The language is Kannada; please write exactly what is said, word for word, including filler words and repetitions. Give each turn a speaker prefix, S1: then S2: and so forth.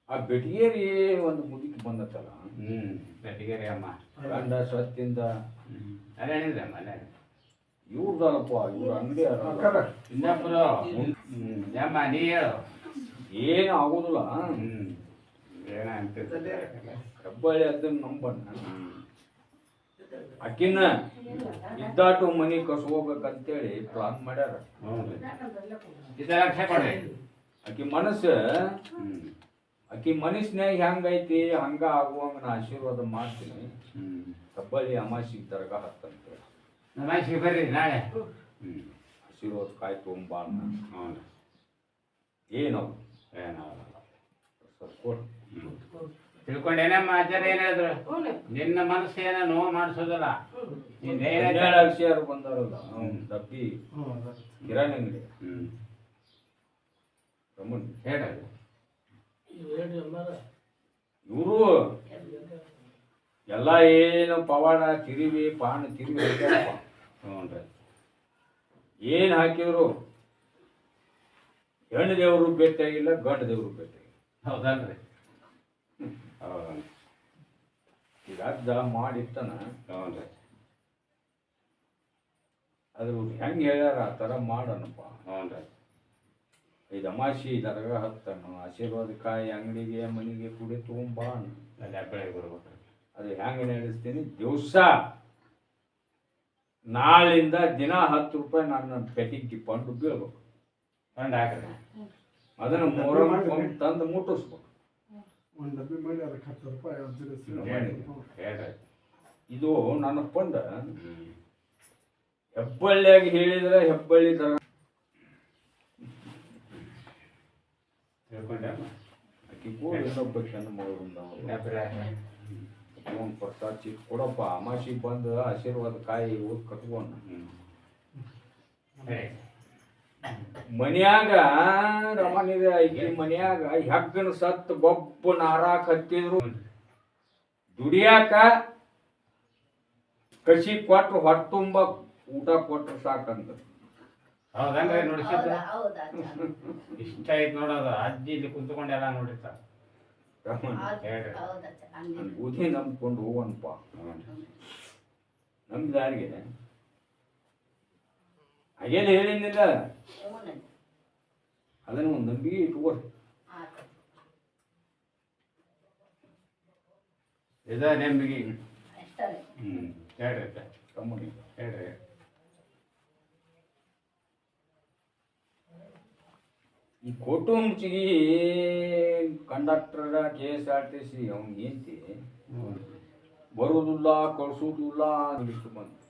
S1: ಆ ಬೆಟಗೇರಿ ಒಂದು ಮುದುಕಿ ಬಂದತ್ತಲ್ಲ.
S2: ಹ್ಞೂ ಬೆಟಗೇರಿ ಅಮ್ಮ
S1: ಗಂಡ ಸತ್ತಿಂದ
S2: ಅಲ್ಲ ಹೇಳಿದ್ರೆ ಅಮ್ಮ ಅಲ್ಲ
S1: ಇವ್ರದಲ್ಲಪ್ಪ, ಇವ್ರ ಅಂಗಡಿ
S2: ಇನ್ನೊಬ್ಬರು ಯಮ್ಮ ನೀ ಹೇಳು
S1: ಏನು ಆಗೋದಿಲ್ಲ.
S2: ಹ್ಞೂ ಏನ ಅಂತ
S1: ಹೆಬ್ಬಳ್ಳಿ ಅದನ್ನ ನಂಬಣ್ಣ ಅಕ್ಕಿನ ಇದ್ದಾಟು ಮನಿ ಕಸ್ಕೋಬೇಕಂತೇಳಿ ಪ್ಲಾನ್ ಮಾಡ್ಯಾರ.
S2: ಹ್ಞೂ ಇದರ ಕೊಡ್ರಿ
S1: ಆಕಿ ಮನಸ್ಸು
S2: ಹ್ಞೂ
S1: ಆಕಿ ಮನಸ್ಸಿನಾಗ ಹೆಂಗೈತಿ ಹಂಗ ಆಗುವಂಗ ನಾ ಆಶೀರ್ವಾದ ಮಾಡ್ತೀನಿ.
S2: ಹ್ಞೂ
S1: ಹೆಬ್ಬಳ್ಳಿ ಅಮಾಸಿ ದರ್ಗ ಹತ್ತಂತೇಳಿ
S2: ನಮಾಸಿ ಬರ್ರಿ ನಾಳೆ. ಹ್ಞೂ
S1: ಆಶೀರ್ವಾದ ಕಾಯಿ ತೊಗೊಂಬಾ ಅಣ್ಣ.
S2: ಹ್ಞೂ
S1: ಏನವು
S2: ಏನಾಗಲ್ಲ
S1: ಸ್ವಲ್ಪ ಕೊಡು.
S2: ತಿಳ್ಕೊಂಡೇನಮ್ಮ ಆಚಾರ್ಯ ಏನು ಹೇಳಿದ್ರು? ನಿನ್ನ ಮನಸ್ಸು ಏನೋ ನೋವು ಮಾಡಿಸೋದಲ್ಲ. ನೀನು
S1: ಹನ್ನೆರಡು ಅಕ್ಷರ ಬಂದಾರಲ್ಲ ಡಬ್ಬಿ ಕಿರಾಣಿ ಅಂಗಡಿ
S2: ಹ್ಞೂ
S1: ರಮಣ್
S2: ಹೇಳೋದು
S1: ಇವರು ಎಲ್ಲ ಏನು ಪವಾಡ ತಿರಿವಿ ಪಾನ ತಿರಿವಿ ಹಾಕ್ಯಾರಪ್ಪ.
S2: ಹ್ಞೂ ರೀ
S1: ಏನು ಹಾಕಿದ್ರು ಹೆಣ್ಣು ದೇವರು ಭೇಟಿಯಾಗಿಲ್ಲ, ಗಂಡು ದೇವರು ಭೇಟಿಯಾಗಿಲ್ಲ.
S2: ಹೌದಲ್ರಿ? ಹೌದು
S1: ಈಗ ಅಜ್ಜ ಮಾಡಿರ್ತಾನ.
S2: ಹ್ಞೂ ರೀ
S1: ಅದ್ರ ಹೆಂಗೆ ಹೇಳ್ಯಾರ ಆ ಥರ ಮಾಡೋಣಪ್ಪ.
S2: ಹ್ಞೂ ರೀ
S1: ಐದು ಅಮಾಸಿ ದರ್ಗ ಹತ್ತನು ಆಶೀರ್ವಾದ ಕಾಯಿ ಅಂಗಡಿಗೆ ಮನೆಗೆ ಕುಡಿ ತೊಗೊಂಬಾ ಅಣ್ಣ.
S2: ಅಲ್ಲಿ ಹೆಬ್ಬಳ್ಳಿಗೆ ಬರ್ಬೇಕು.
S1: ಅದು ಹೆಂಗೆ ನಡೆಸ್ತೀನಿ ದಿವಸ ನಾಳಿಂದ ದಿನ ಹತ್ತು ರೂಪಾಯಿ ನನ್ನ ಪೆಟ್ಟಿಗೆ ಪಂಡು ಬೀಳ್ಬೇಕು.
S2: ಫಂಡ್ ಹಾಕ್ರಿ
S1: ಅದನ್ನ ಮೊಹರಂ ತಂದು ಮುಟ್ಟಿಸ್ಬೇಕು.
S3: ಒಂದು ಡಬ್ಬಿ ಮಾಡಿ ಅದಕ್ಕೆ ಹತ್ತು ರೂಪಾಯಿ
S2: ಹೇಳ್ರಿ
S1: ಇದು ನನ್ನ ಪಂಡ.
S2: ಹ್ಞೂ
S1: ಹೆಬ್ಬಳ್ಳಿಯಾಗಿ ಹೇಳಿದ್ರೆ ಹೆಬ್ಬಳ್ಳಿ ದರ
S2: ತಿಳ್ಕೊಂಡಮ್ಮ
S1: ಆಕಿ ಕೂಡ ಇನ್ನೊಬ್ಬ ಚೆನ್ನ ಮಗಳಿಂದ ಒಂದು ಪ್ರಸಾದ ಚಿಕ್ಕ ಕೊಡಪ್ಪ. ಅಮಾಸಿಗೆ ಬಂದು ಆಶೀರ್ವಾದ ಕಾಯಿ ಓದ್ ಕಟ್ಕೊಂಡ
S2: ಹ್ಞೂ
S1: ಮನ್ಯಾಗ ರಮಣಿದೆ ಐತಿ. ಮನ್ಯಾಗ ಹೆಗ್ಗನ ಸತ್ತು ಗೊಬ್ಬ ನಾರಾಕ್ ಹತ್ತಿದ್ರು ದುಡಿಯಾಕ ಕಸಿ ಕೊಟ್ರು ಹೊಟ್ಟೆ ತುಂಬ ಊಟ ಕೊಟ್ರು ಸಾಕಂತ.
S2: ಹೌದನ್ರಿ ನೋಡಿಸಿದ್ದು ಇಷ್ಟ ಐತೆ ನೋಡೋದು. ಅಜ್ಜಿ ಇಲ್ಲಿ ಕುಂತ್ಕೊಂಡೆಲ್ಲ ನೋಡಿರ್ತಾರ. ಹೇಳ್ರಿ
S1: ಬುದ್ಧಿ ನಂಬ್ಕೊಂಡು ಹೋಗೋಣಪ್ಪ. ನಮ್ಮ ದಾರಿಗೆ ಹಾಗೇನು ಹೇಳಿನಿಲ್ಲ, ಅದನ್ನು ಒಂದು ನಂಬಿಕೆ ಇಟ್ಕೊರಿ.
S2: ಇದ ನೆಂಬಿಗೆ. ಹ್ಞೂ ಹೇಳ್ರಿ
S1: ಕಮ್ಮಿ
S2: ಹೇಳ್ರಿ
S1: ಈ ಕುಟುಂಬಚಿಗೆ conductor K S R T C ಅವ್ನಿಗೆ ಏಂತಿ ಬರುವುದಿಲ್ಲ ಕಳ್ಸೋದಿಲ್ಲ ಬಂದು